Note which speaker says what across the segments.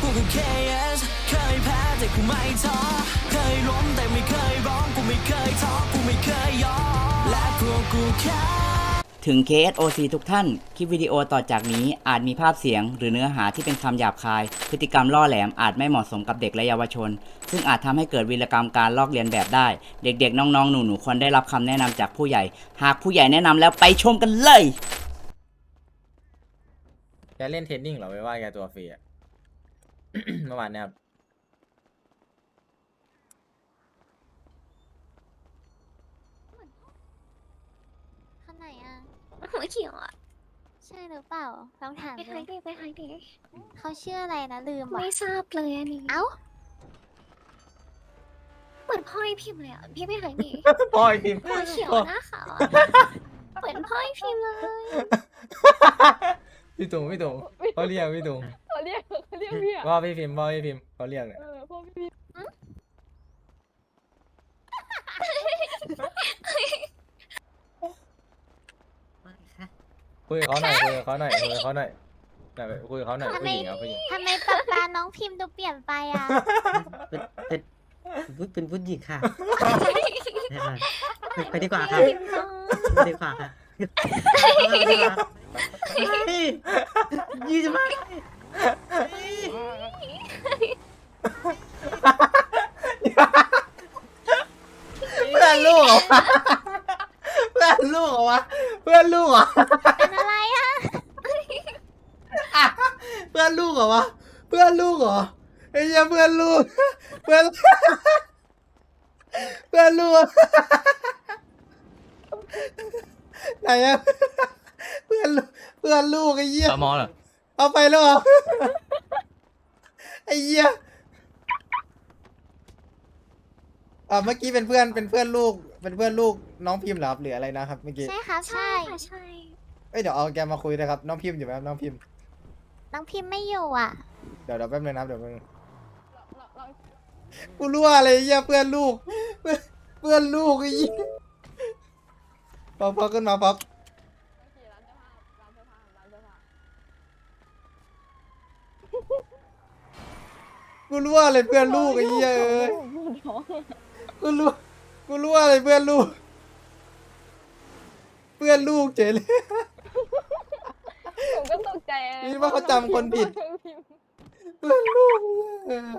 Speaker 1: ก็ KS เคยแพ้แต่กูไม่ท้อเคยล้มแต่ไม่เคยร้องกูไม่เคยท้อกูไม่เคยยอมและพวกกูแค่ถึง KSOC ทุกท่าน คลิปวิดีโอต่อจากนี้อาจมีภาพเสียงหรือเนื้อหาที่เป็นคำหยาบคาย พฤติกรรมล่อแหลมอาจไม่เหมาะสมกับเด็กและเยาวชน ซึ่งอาจทำให้เกิดวีรกรรมการลอกเลียนแบบได้ เด็กๆ น้องๆ หนูๆ ควรได้รับคำแนะนำจากผู้ใหญ่ หากผู้ใหญ่แนะนำแล้วไปชมกันเลย
Speaker 2: แกเล่นเทรนนิ่งเหรอไม่ว่าแกตัวฟรีอะ เมื่อวานเนี่ยครับ
Speaker 3: ข้างไหนอ่ะ
Speaker 4: หัวเขียวอ่ะ
Speaker 3: ใช่หรือเปล่าลองถาม
Speaker 4: ไป
Speaker 3: ดู
Speaker 4: หายดิไปหายดิ
Speaker 3: เขาชื่ออะไรนะลืมว่ะ
Speaker 4: ไม่ทราบเลยอันนี้
Speaker 3: เอ้า
Speaker 4: เหมือนพ่อไอพิมพ์เลยอ่ะพี่ไปหายดิ
Speaker 2: พ่อยพิมพ์
Speaker 4: หัวเขียวหน้าขาวอะเหมือนพ่อไอพิมพ์เลย
Speaker 2: พี่ตุงเขาเรียกพี่ตุง
Speaker 5: เขาเรียกพี่อะ
Speaker 2: พ่อพี่พิมพ์เขาเรียกเนี่ย
Speaker 5: พ่อพี่
Speaker 2: คุยกับเขาหน่อยคุยกับเขาหน่อยคุยกับเขาหน่อยคุยกับเขาหน่อยผู้หญิงครับผู้หญิง
Speaker 3: ทำไมป๊าป๊าน้องพิมพ์ดูเปลี่ยนไปอ่ะ
Speaker 6: เป็นผู้หญิงค่ะไปดีกว่าค่ะไปดีกว่าค่ะยืดมาก
Speaker 2: เพื่อนลูกเหรอเพื่อนลูกเหรอวะเพื่อนลูกเหรอ
Speaker 3: เป็นอะไรอ่ะ
Speaker 2: เพื่อนลูกเหรอวะเพื่อนลูกเหรอไอ้เหี้ยเพื่อนลูกเพื่อนเพื่อนลูกไหนอะเพื่อนลูกไอ้เหี้ย
Speaker 7: ตมอเหรอ
Speaker 2: เอาไปแล้วเหรอไอ้เหี้ยเมื่อกี้เป็นเพื่อนลูกน้องพิมพ์เหรอครับหรืออะไรนะครับเมื่อกี้
Speaker 3: ใช่ครับ
Speaker 4: ใช่
Speaker 3: ใช่
Speaker 4: ค่ะใช่
Speaker 2: เอ้ยเดี๋ยวเอาแกมาคุยนะครับน้องพิมพ์อยู่ไหมครับน้องพิมพ์
Speaker 3: น้องพิมพ์ไม่อยู่อ่ะ
Speaker 2: เดี๋ยวแป๊บนึงนะครับเดี๋ยวแป๊บนึงกูรู้อะไรเหี้ยเพื่อนลูกเพื่อนลูกไอ้เหี้ยพอขึ้นมาพับกูรู้อะไรเพื่อนลูกไอ้เหี้ยเอ้ยกูรู้อะไรเพื่อนลูกเจ๋เลย
Speaker 5: ผมก็ตกใจ
Speaker 2: นี่ว่าเขาจำคนผิด เพื่อนลูกเออ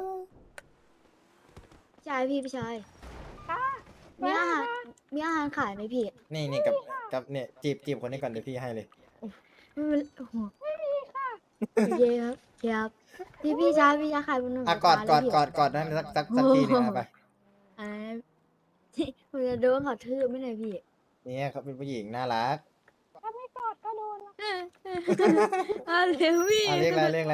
Speaker 8: ใช่พี่ชายมีอาหารขายไหมพี่
Speaker 2: นี่กับเนี่ยจีบคนนี้ก่อนเดี๋ยวพี่ให้เลย
Speaker 8: ไม่เป็นโอ้โหโอเคครับครับพี่ชายขายบนหนุน
Speaker 2: กอดนั่นสักทีหนึงนะไป
Speaker 8: อ่าผมจะโดนเขาทืบไม่ไหนพี่
Speaker 2: เนี่ยเขาเป็นผู้หญิงน่ารัก
Speaker 5: ถ้าไม่กอดก็โดน
Speaker 8: อะไรพี่
Speaker 2: เลขอะไร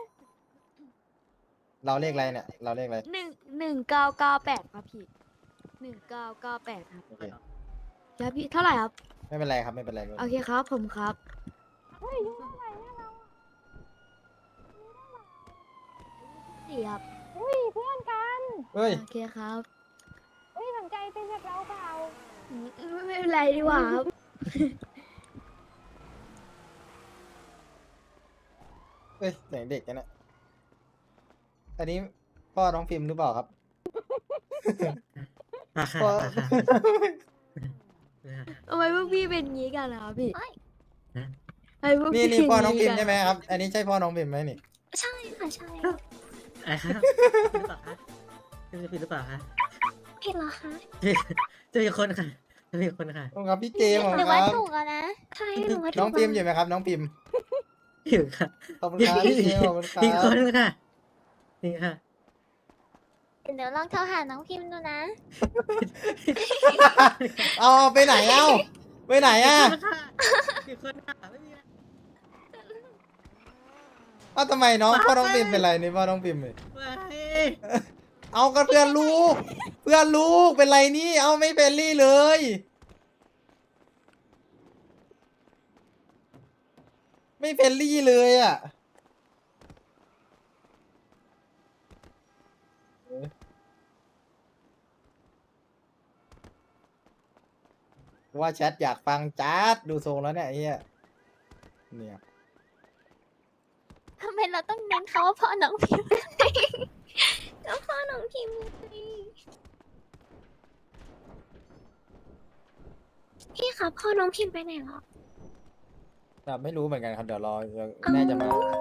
Speaker 2: เราเลขอะไรเนี่ยเราเลขอะไร
Speaker 8: 1998ครับพี่1998ครับ
Speaker 2: โอเค
Speaker 8: ครับพี่เท่าไหร่ครับ
Speaker 2: ไม่เป็นไรครับไม่เป็นไร
Speaker 8: โอเคครับผมครับ
Speaker 5: เฮ้ยยุ่งอะไรเนี่ยเรา
Speaker 8: สี่ครับ
Speaker 5: อุ้ยเพื่อนกัน
Speaker 2: เฮ้ย
Speaker 8: โอเคครับ
Speaker 5: อุ้ยสนใจเป็นแบบเราเปล่า
Speaker 8: ไม่เป็นไรดีกว่าครับ
Speaker 2: เฮ้ยเสียงเด็กกันนะอันนี้พ่อน้องพิมพ์หรือเปล่าครับ
Speaker 6: ค่ะ
Speaker 2: พ่อ
Speaker 8: ทำไมพวกพี่เป็นงี้กันล่ะครับพี่ทำไมพวก
Speaker 2: นี่
Speaker 8: พี่
Speaker 2: พ่อน้องพิมพ์
Speaker 8: กั
Speaker 2: ใช่ไหมครับ อันนี้ใช่พ่อน้องพิมพ์ไหมนี่
Speaker 4: ใช่ค่ะใช่
Speaker 6: อะไรครับผิดหรือเปล่าคะจะผิดหรือเปล่าคะ
Speaker 4: ผิดเหรอคะ
Speaker 6: จะมีคนค่ะจะมีคนค่ะ
Speaker 2: ขอบคุณครับพี่เจมส์ขอบ
Speaker 3: ห
Speaker 2: คุ
Speaker 3: รือ
Speaker 2: ณค
Speaker 3: ว่า
Speaker 2: รับ
Speaker 3: ถูกแล้วนะ
Speaker 4: ใช่หนูว่าถูก
Speaker 2: น้องพิมพ์อยู่ไหมครับน้องพิมพ์
Speaker 6: อยู่ค่ะ
Speaker 2: ขอบคุณครับพี่เจมส์ขอบคุณครั
Speaker 6: มีคน
Speaker 2: บ
Speaker 6: ค่ะนี่ค่ะ
Speaker 3: เดี๋ยวลองโทรหาน้องพิมพ์ดูนะ
Speaker 2: เอาไปไหนเอ้าไปไหนอ่ะ
Speaker 6: มีคนค่ะไม่มี
Speaker 2: เอ้าทำไมน้องพ่อน้องพิมพ์เป็นไรนี่พ่อน้องพิมพ์เลย
Speaker 6: ว้าย
Speaker 2: เอากันเพื่อนลูกเป็นไรนี่เอาไม่เป็นรี่เลย ไม่เป็นรี่เลยอ่ะว่าแชทอยากฟังจัดดูทรงแล้วเนี่ยไอ้เฮียเนี่ย
Speaker 3: ทำไม
Speaker 4: เราต้องเน้นเขาว่าพ่อน้องพิมพ์ก็พ่อน้องพิมพ์ไงพี่คะพ่อน้องพิมพ์ไปไหนหรอ
Speaker 2: ไม่รู้เหมือนกันครับเดี๋ยวรอแม่จะมา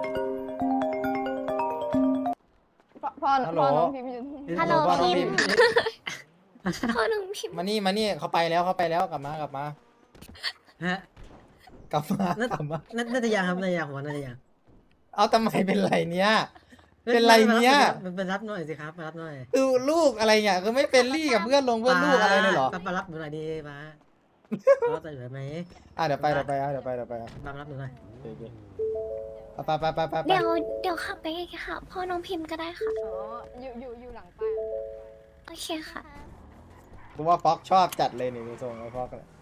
Speaker 5: พ่อ
Speaker 2: ฮัลโหล
Speaker 5: น้องพิมพ์อยู่ที่
Speaker 3: ฮัลโหล
Speaker 2: พ่อน้อง
Speaker 3: พิมพ์
Speaker 4: พ่อน้องพิมพ์
Speaker 2: มานี่เขาไปแล้วกลับมา
Speaker 6: ฮะ
Speaker 2: กลับมา
Speaker 6: น่าจะยังครับน่าจะยังผมว่าน่าจะยัง
Speaker 2: เอาทำไมเป็นไรเนี้ยเป็นไรเนี้ย
Speaker 6: มันเป็นรับหน่อยสิครับมารับหน่อย
Speaker 2: คือลูกอะไรเนี่ยคือไม่เป็นรี่กับเพื่อนลูกอะไรเลยเหรอ
Speaker 6: มารับหนูหน่อยดีป้ารับหน่อยไหม
Speaker 2: เดี๋ยวไปอ่ะ
Speaker 6: มารับหนูหน่อย
Speaker 2: โอเคไป
Speaker 4: เดี๋ยวขับไปไงค่ะ พ่อน้องพิมพ์ก็ได้ค่ะ
Speaker 5: อ๋ออยู่หลังป้าย
Speaker 4: โอเคค่ะ
Speaker 2: กูว่าฟ็อกชอบจัดเลยนี่ดูทรงไอ้ฟ็อกเลย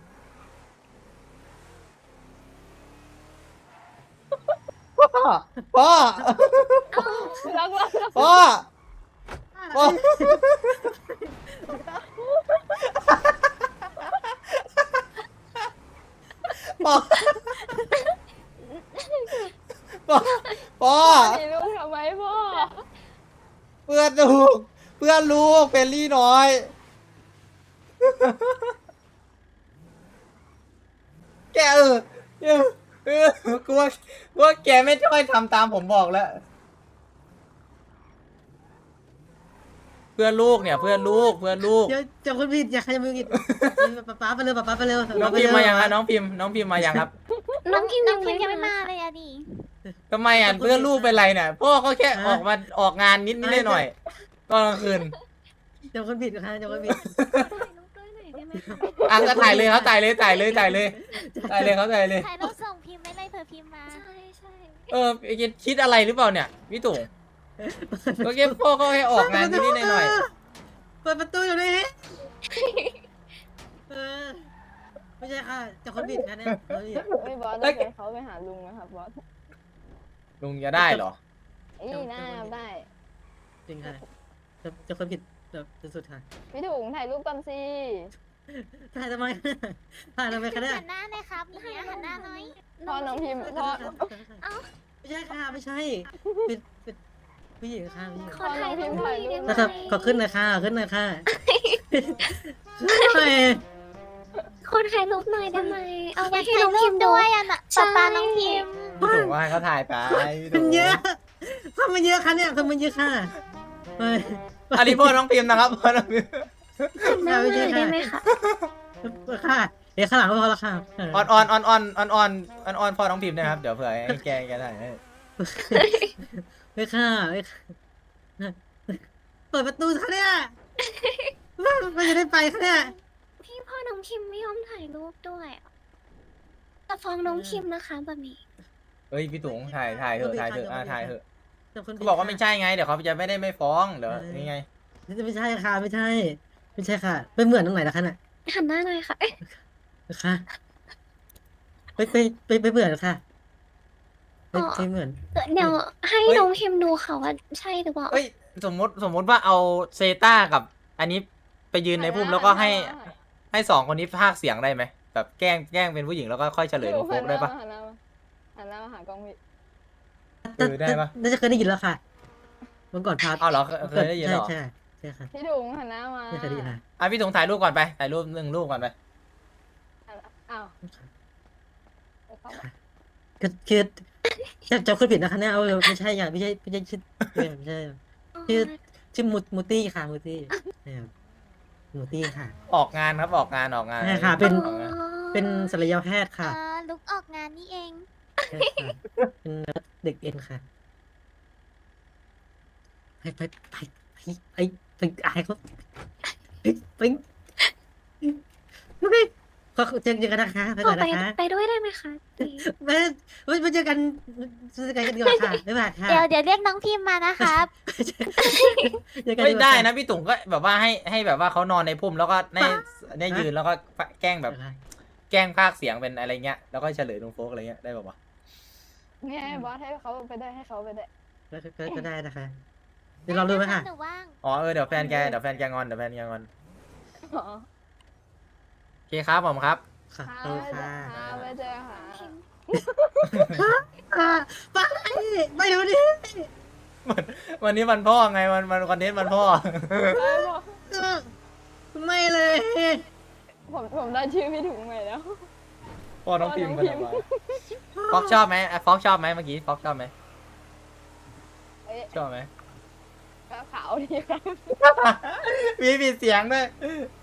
Speaker 2: พ่อ
Speaker 5: รัก
Speaker 2: พ่อ
Speaker 5: มีลูกทำไมพ่อ
Speaker 2: เพื่อนลูกเป็นรี่น้อยแกกูว่าแกไม่ช่วยทำตามผมบอกแล้วเพื่อนลูกเนี่ยเพื่อนลูก
Speaker 6: เดี๋ยวจะคนผิดอย่าใครจะมือผิดป้าไปเร็วป้าไปเร็ว
Speaker 2: น้องพิมพ์มายังครับน้องพิมพ์มายังครับ
Speaker 4: น้องพิมพ์
Speaker 3: น้องพิมพ์ยังไม่มาเลยอะดิ
Speaker 2: ทำไมอ่ะเพื่อนลูกเป็นไรเนี่ยพ่อเขาแค่ออกงานนิดหน่อยตอนกลางคืน
Speaker 6: เดี๋ยวคนผิดค่ะเดี๋ยวคนผิด
Speaker 2: อ่ะก็ถ่ายเลยเขาถ่ายเลยเขาถ่ายเลย
Speaker 3: ถ่ายรูปส่งพิมพ์ไว้เลยเผื่อพิมพ์มา
Speaker 4: ใช่ใช่
Speaker 2: คิดอะไรหรือเปล่าเนี่ยพี่ตุ๋งก็แค่พ่อเขาให้ออกงานนิดหน่อย
Speaker 6: เปิดประตูอยู่นี่ไม่ใช่ค่ะจะคนผิดค่ะเนี่ย
Speaker 5: ไม่บอสได้เขาไปหาลุงนะครับบอส
Speaker 2: ลุงจะได้เหรอ
Speaker 5: น่าได้
Speaker 6: จริงค่ะจะคนผิดแบบสุดค่ะ
Speaker 5: พี่ถุงถ่ายรูปก่อนสิ
Speaker 6: ถ่ายทำไมถ่ายทำไมคะเนี่ย
Speaker 3: หันหน้าเลยครับเนี่ยหันหน้าหน่อย
Speaker 5: พ่อน้องพิมพ์พ่อ
Speaker 6: ไม่ใช่ค่ะไม่ใช่เป็นผู้หญิงค่ะผู้หญิง
Speaker 4: ขอถ่ายรูปหน่อยได้ไหม
Speaker 6: นะครับขอขึ้นหน่อยค่ะขึ้นหน่อยค่ะ
Speaker 4: ขอถ่ายรูปหน่อยได้ไหมเอา
Speaker 3: อ
Speaker 4: ไว้
Speaker 3: ยาก
Speaker 4: ให้
Speaker 3: ถ่าย
Speaker 4: น้อง
Speaker 3: รู
Speaker 4: พิ
Speaker 3: ป
Speaker 4: มพ์ดู
Speaker 3: ด้วยอะน่ะ
Speaker 4: ใช่
Speaker 3: ป๊าน้องพิมพ์
Speaker 2: พี่ตุ๋งว่าให้เขาถ่ายไป
Speaker 6: มันเยอะทำมันเยอะค่ะเนี่ยทำมันเยอะค่ะ
Speaker 2: อันนี้พ่อน้องพิมพ์นะครับพ่อน้องพิมพ์
Speaker 4: หน้าหน่อยได้ไหมคะ
Speaker 6: ค่ะเดี๋ยวข้างหลังก็พอละค่ะ
Speaker 2: ออนพ่อน้องพิมพ์นะครับเดี๋ยวเผื่อให้แกถ่ายให้
Speaker 6: ไม่ค่ะเปิดประตูค่ะเนี่ยมันจะได้ไปค่ะเนี่ย
Speaker 4: พี่พ่อน้องพิมพ์ไม่ยอมถ่ายรูปด้วยอะจะฟ้องน้องพิมพ์นะคะแบบนี้
Speaker 2: เฮ้ยพี่ตุ๋งถ่ายเถอะถ่ายเถอะ
Speaker 6: แต่คน
Speaker 2: เขาบอกว่าไม่ใช่ไงเดี๋ยวเขาจะไม่ฟ้องเดี๋ยวนี่ไง
Speaker 6: ไม่ใช่ค่ะไม่ใช่ค่ะไม่เหมือนตรงไหนนะคะน่ะ
Speaker 4: หันหน้าหน่อยค่ะ
Speaker 6: ค่ะไปเหมือนค่ะไปเหมือน
Speaker 4: เดี๋ยวให้น้องพิมพ์ดูค่ะว่าใช่หรือเปล่า
Speaker 2: เอ้ยสมมติว่าเอาเซต้ากับอันนี้ไปยืนในพุ่มแล้วก็ให้สองคนนี้พากย์เสียงได้ไหมแบบแกล้งเป็นผู้หญิงแล้วก็ค่อยเฉลยลูกโฟกได้ปะ
Speaker 5: หันหน้ามาหากล้องพี่
Speaker 2: ได้ปะ
Speaker 6: น่าจะเคยได้ยินแล้วค่ะเมื่อก่อนพา
Speaker 2: อ้าวเหรอเคยได้ยินเหรอ
Speaker 6: ใช่ค่ะ
Speaker 5: พี่ถุงหันหน้ามา
Speaker 6: ไม่เคยได้ยินนะ
Speaker 2: อ่ะพี่ถุงถ่ายรูปก่อนไปถ่ายรูปหนึ่งรูปก่อนไป
Speaker 5: อ้าว
Speaker 6: คือจะคนผิดนะคะเนี่ยเอาไม่ใช่ไม่ใช่ชื่อไม่ใช่ชื่อมูตี้ค่ะมูตี้มูตี้ค่ะ
Speaker 2: ออกงานครับออกงาน
Speaker 6: ใช่ค่ะเป็น
Speaker 2: ออกงาน
Speaker 6: เป็นศัลยแพทย์ค่ะ
Speaker 3: ลุกออกงานนี่เอง
Speaker 6: ใช่ค่ะเป็นเด็กเอ็นค่ะไปอายเขาไปก็เจอกันนะคะไปก่อนนะคะ
Speaker 4: ไปด้วยได้ไหมคะ
Speaker 6: ไม่เจอกันกันดีกว่าค่ะไม่บาดค่ะ
Speaker 3: เดี๋ยวเรียกน้องพิมพ์มานะครับ
Speaker 2: ไม่ได้นะพี่ตุ๋งก็แบบว่าให้แบบว่าเขานอนในพุ่มแล้วก็ในยืนแล้วก็แกล้งแบบแกล้งพากย์เสียงเป็นอะไรเงี้ยแล้วก็เฉลยลุงโฟกอะไรเงี้ยได้ป่าวะ
Speaker 5: นี่บอสให้เขาไปได้ให้เขาไปได้
Speaker 6: ก็ได้นะคะเดี๋ยวเราดูไหมค่ะ
Speaker 3: หนูว่าง
Speaker 2: อ๋อเดี๋ยวแฟนแกงอน
Speaker 5: อ๋อ
Speaker 2: โอเคครับผมครับ
Speaker 6: ค่ะ
Speaker 5: ไปเจอค่ะ
Speaker 6: ไปไม่รู้ดิ
Speaker 2: วันนี้วันพ่อไงวันคอนเทนต์วันพ่อ
Speaker 5: ได้บอก
Speaker 6: ไม่เลย
Speaker 5: ผมได้ชื่อพี่ถุงใหม่แล้ว
Speaker 2: พ่อน้องพิมพ์
Speaker 5: พ่อน้องพิมพ์
Speaker 2: ฟอกชอบไหมฟอกชอบไหมเมื่อกี้ฟอกชอบไหม
Speaker 5: เอ๊ะ
Speaker 2: ชอบไหม
Speaker 5: ก็ขาวดีครับ
Speaker 2: มีปิดเสียงด้วย